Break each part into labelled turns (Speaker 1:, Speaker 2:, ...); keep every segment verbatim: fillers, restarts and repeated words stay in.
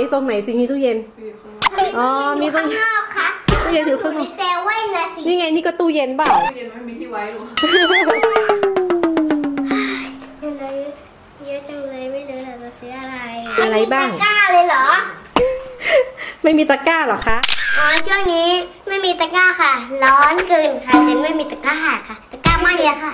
Speaker 1: ตรงไหนตรงนี้ตู้เย็นอ๋อมีตรงนอกค่ะตู้เย็นอยู่ข้างนอกเซเว่นนะสินี่ไงนี่ก็ตู้เย็นเปล่าตู้เย็นไม่มีที่ไว้หรออะไรเยอะจังเลยไม่รู้เราจะซื้ออะไรอะไรบ้างตะกร้าเลยเหรอไม่มีตะกร้าหรอคะอ๋อช่วงนี้ไม่มีตะกร้าค่ะร้อนเกินค่ะจนไม่มีตะกร้าค่ะตะกร้าไม่เยอะค่ะ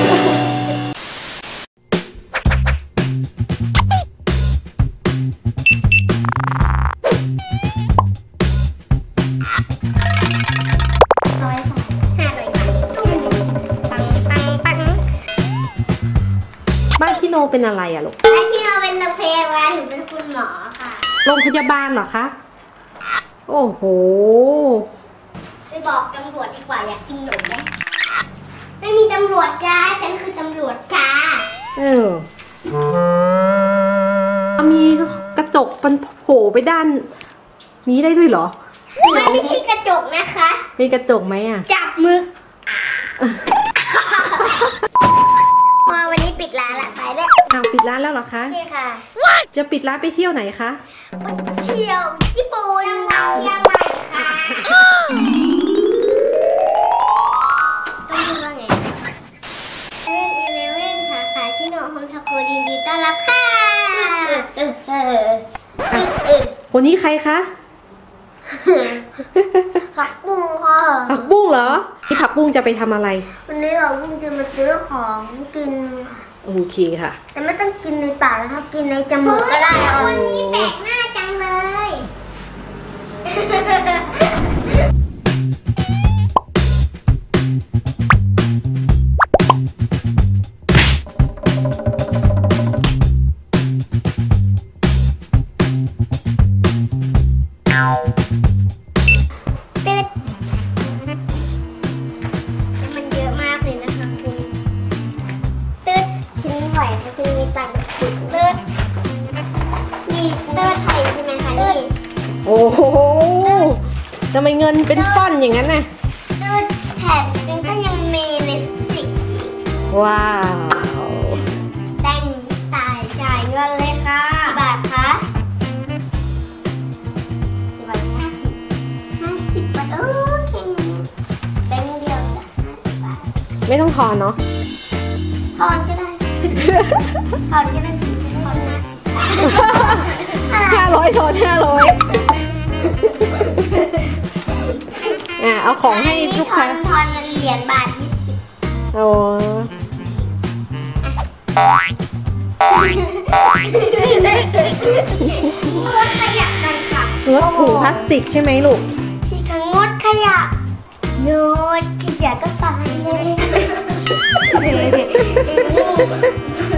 Speaker 1: บ้านที่โนเป็นอะไรอะลูกบ้านที่โนเป็นโรงพยาบาลหนูเป็นคุณหมอค่ะโรงพยาบาลเหรอคะโอ้โหไปบอกตำรวจดีกว่าอยากกินหนมไหมไม่มีตำรวจจ้าฉันคือตำรวจค่ะเออมีกระจกมันโผล่ไปด้านนี้ได้ด้วยเหรอมันไม่ใช่กระจกนะคะเป็นกระจกไหมอะจับมือมาวันนี้ปิดร้านละไปเลยอ้าวปิดร้านแล้วเหรอคะใช่ค่ะจะปิดร้านไปเที่ยวไหนคะเที่ยวญี่ปุ่นเชียงใหม่ค่ะต้องพูดว่าไงเว่นอีเลเว่นสาขาชิโนโฮมสกูลยินดีต้อนรับค่ะคนนี้ใครคะผักบุ้งค่ะผักบุ้งเหรอที่ผักบุ้งจะไปทำอะไรวันนี้ผักบุ้งจะมาซื้อของกินโอเคค่ะแต่ไม่ต้องกินในปากนะคะกินในจมูกก็ได้วันนี้แปลกหน้าจังเลยโอ้โหทำไมเงินเป็นฟ่อนอย่างนั้นน่ะดูแถบฉันก็ยังมีลิปสติกอีกว้าวแต่งตายจ่ายเงินเลยค่ะกี่บาทคะกี่บาทห้าสิบห้าสิบบาทโอ้แค่นี้แบงค์เดียวจ้ะห้าสิบบาทไม่ต้องทอนเนาะทอนก็ได้ทอนก็ได้สิทอนนะห้าร้อยทอนห้าร้อยอ่ะเอาของให้ลูกค้าทอนเหรียญบาทยี่สิบโอ้งดขยะกันค่ะงดถุงพลาสติกใช่ไหมลูกที่ค่ะงดขยะงดขยะก็ตายเลย